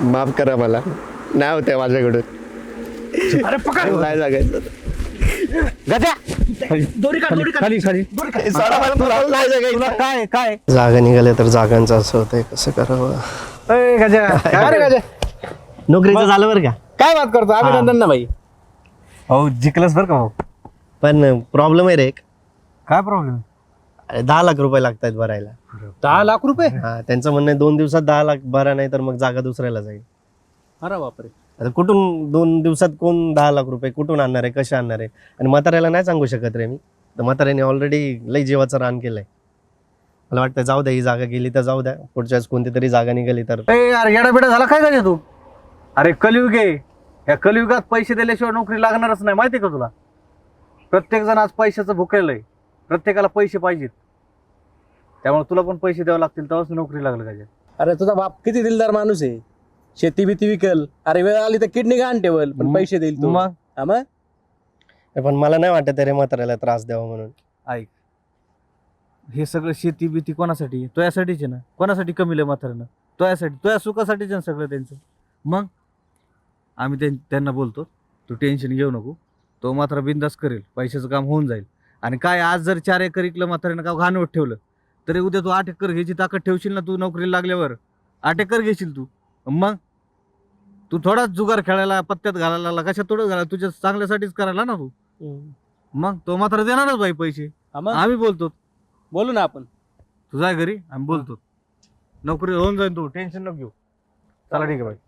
माफ करा मला, नाही होते माझ्याकडून. अरे पकड. नाही जगायचं. गजा दोरी काढ, दोरी काढ. खाली खाली सोडा मला, मला नाही जगायचं. तुला काय काय जागा निघाल्या तर जागांचं असं होतंय, कसं करावं. ए, गजा काय रे गजा? नोकरीचं झालं बरं का, काय बात करतो? अभिनंदन ना भाई. हो जिंकलंस बरं का भाऊ. पण प्रॉब्लेम आहे रे एक. काय प्रॉब्लेम? अरे 10 लाख रुपये लागतायत भरायला. 10 लाख रुपये? हा, त्यांचं म्हणणं आहे 2 दिवसात 10 लाख भरा, नाही तर मग जागा दुसऱ्याला जाईल. अरे बापरे. आता कुठून 2 दिवसात कोण 10 लाख रुपये कुठून आणणार आहे, कसे आणणार आहे? आणि म्हाताऱ्याला नाही सांगू शकत रे मी. तर म्हाताऱ्याने ऑलरेडी लई जीवाचं रान केलंय. मला वाटतं जाऊ द्या, ही जागा गेली तर जाऊ द्या, पुढच्या वेळेस कोणती तरी जागा निघाली तर. ए यार येडा बेडा झाला काय गजा तू? अरे कलियुग आहे, या कलियुगात पैसे दिल्याशिवाय नोकरी लागणारच नाही, माहिती का तुला? प्रत्येक जण आज पैशाचं भुकेलं आहे, प्रत्येकाला पैसे पाहिजेत, त्यामुळे तुला पण पैसे द्यावे लागतील तेव्हाच नोकरी लागलं गजा. अरे तुझा बाप किती दिलदार माणूस आहे. शेती बिती विकल, अरे वेळ आली तर किडनी घाण ठेवल, पण पैसे देईल तू. मग हा मग? पण मला नाही वाटत रे म्हाताऱ्याला त्रास द्यावा म्हणून. ऐक, हे सगळं शेती बिती कोणासाठी? तुझ्यासाठीच आहे ना. कोणासाठी कमीलं म्हाताऱ्यानं? तुझ्यासाठी, तुझ्या सुखासाठीच आहे ना सगळं त्यांचं. मग आम्ही त्यांना बोलतो, तू टेन्शन घेऊ नको, तो मात्र बिंदास करेल, पैशाचं काम होऊन जाईल. आणि काय आज जर 4 एकर इकलं म्हाताऱ्यानं का घाणवत ठेवलं तरी उद्या तू 8 एकर घ्यायची ताकद ठेवशील ना. तू नोकरीला लागल्यावर 8 एकर घेशील तू. मग तू थोडाच जुगार खेळायला, पत्त्यात घालायला लागला, कशा थोडं घालायला, तुझ्या चांगल्यासाठीच करायला ना तू. मग तो मात्र देणारच बाई पैसे. हा मग? आम्ही बोलतो, बोलू ना आपण. तू जाय घरी, आम्ही बोलतो, नोकरी होऊन जाईल, तू टेन्शन नको घेऊ. चला ठीक आहे बाई.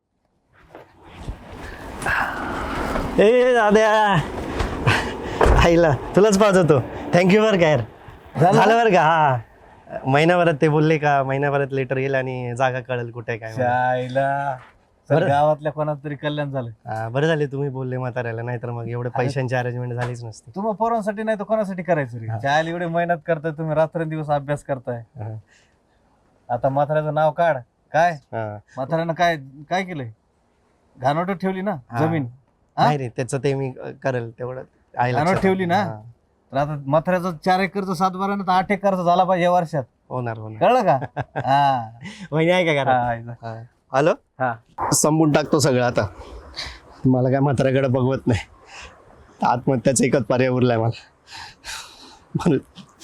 ए दाद्या, आईला तुलाच पाहतो. थँक्यू बरं का यार. झालं बरं का. हा, महिनाभरात ते बोलले का महिनाभरात लेटर येईल आणि जागा कळेल कुठे काय म्हणून. शायला बरं. गावातल्या कोणाचं तरी कल्याण झालं. हा, बरं झाले तुम्ही बोलले म्हाताऱ्याला, नाही तर मग एवढे पैशांची अरेंजमेंट झालीच नसती. तुम्हाला पोरांसाठी नाही तर कोणासाठी करायचं रे? शाळेला एवढे मेहनत करताय तुम्ही, रात्रंदिवस अभ्यास करताय. हा. आता म्हाताऱ्याचं नाव काढ. काय हा. म्हाताऱ्यानं काय काय केलंय? घाणवट ठेवली ना हा. जमीन. हा? नाही रे, त्याचं ते मी करेल तेवढं. आईला घाणवट ठेवली ना. हा. तर आता म्हाताऱ्याचा 4 एकरचा 7 बारा तर 8 एकरचा झाला पाहिजे या वर्षात. होणार होणार. कळलं का? हा. वहिनी आहे का घरात? हा. हा. हॅलो. हा. संपून टाकतो सगळं आता. मला काय म्हाताऱ्याकडे बघवत नाही. आत्महत्याचा एकच पर्याय उरलाय मला म्हणून.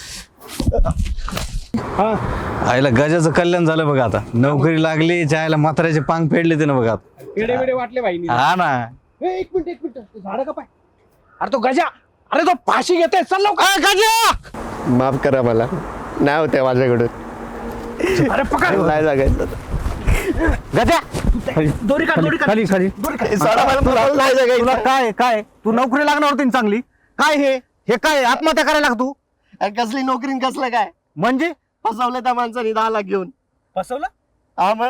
आईला गजाचं कल्याण झालं बघा. आता नोकरी लागली, जायला म्हाताऱ्याचे पांग फेडले ते ना बघा. पेढे बिडे वाटले भाई. हा ना. एक मिनिट झाड का पाय. अरे तो गजा, अरे तो फाशी घेते, चल लवकर. गजा, माफ करा मला, नाही होते माझ्याकडून. अरे पकड. नाही जगायचं. गजा दोरी काढ, दोरी काढ. खाली खाली. सोडा मला, मला नाही तुला जगायचं. काय काय तू नोकरी लागणार होती ना चांगली. काय हे काय आत्महत्या करायला लागतो? अरे कसली नोकरी न कसलं काय? म्हणजे फसवलं त्या माणसाने 10 लाख घेऊन. फसवलं? हा मग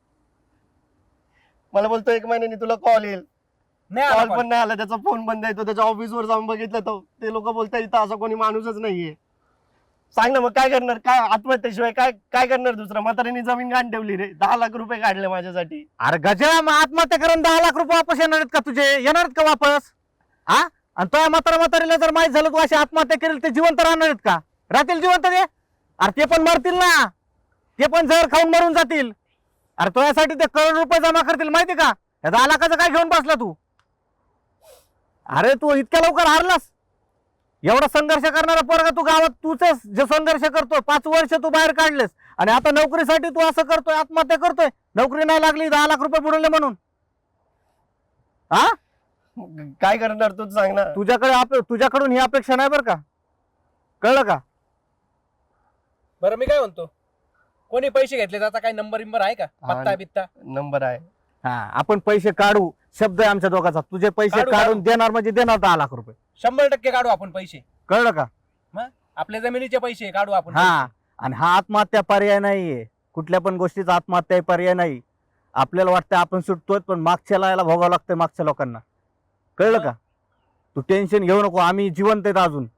मला बोलतो 1 महिन्याने तुला कॉल येईल. नाही आला कॉल call. पण नाही आला, त्याचा फोन बंद आहे. तो त्याच्या ऑफिसवर जाऊन बघितलं तर ते लोक बोलतात इथं असं कोणी माणूसच नाहीये. सांग ना मग काय करणार? काय आत्महत्येशिवाय काय काय करणार दुसरं? म्हाताऱ्याने जमीन घाण ठेवली रे. 10 लाख रुपये काढले माझ्यासाठी. अरे गजा, मग आत्महत्या करून 10 लाख रुपये वापस येणार आहेत का तुझे? येणार आहेत का वापस? हा? आणि तो म्हातारीला जर माहित झालं तू अशी आत्महत्या करेल, ते जिवंत राहणार आहेत का? राहतील जिवंत ते? अरे ते पण मरतील ना, ते पण जहर खाऊन मरून जातील. अरे तो यासाठी ते करोड रुपये जमा करतील, माहिती का? या 10 लाखाचं काय घेऊन बसला तू? अरे तू इतक्या लवकर हारलास? एवढा संघर्ष करणारा पोरगा तू गावात, तूच जे संघर्ष करतोय, 5 वर्ष तू बाहेर काढलेस आणि आता नोकरीसाठी तू असं करतोय, आत्महत्या करतोय. नोकरी नाही लागली, 10 लाख रुपये बुडवले म्हणून. हा, काय करणार तूच सांग ना. तुझ्याकडून ही अपेक्षा नाही बरं का? कळलं का? बरं मी काय म्हणतो, कोणी पैसे घेतले आता काय नंबर बिंबर आहे का? पत्ता बित्ता? नंबर आहे. हा, आपण पैसे काढू, शब्द आहे आमच्या दोघांचा. तुझे पैसे काढू, काढून काढू. देणार म्हणजे देणार 10 लाख रुपये. 100% काढू आपण पैसे. कळलं का? मग आपल्या जमिनीचे पैसे काढू आपण. हा, आणि हा आत्महत्या पर्याय नाहीये. कुठल्या पण गोष्टीचा आत्महत्या पर्याय नाही. आपल्याला वाटतं आपण सुटतोय, पण मागच्या याला भोगावं लागतंय मागच्या लोकांना. कळलं का? तू टेन्शन घेऊ नको, आम्ही जिवंत आहेत अजून.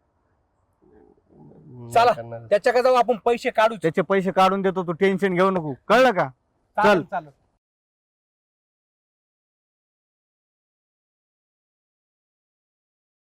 चला. नाही करणार. त्याच्याकडे जाऊ आपण पैसे काढू. त्याचे पैसे काढून देतो, तू टेन्शन घेऊ नको. कळलं का? चालेल, चल. चालेल.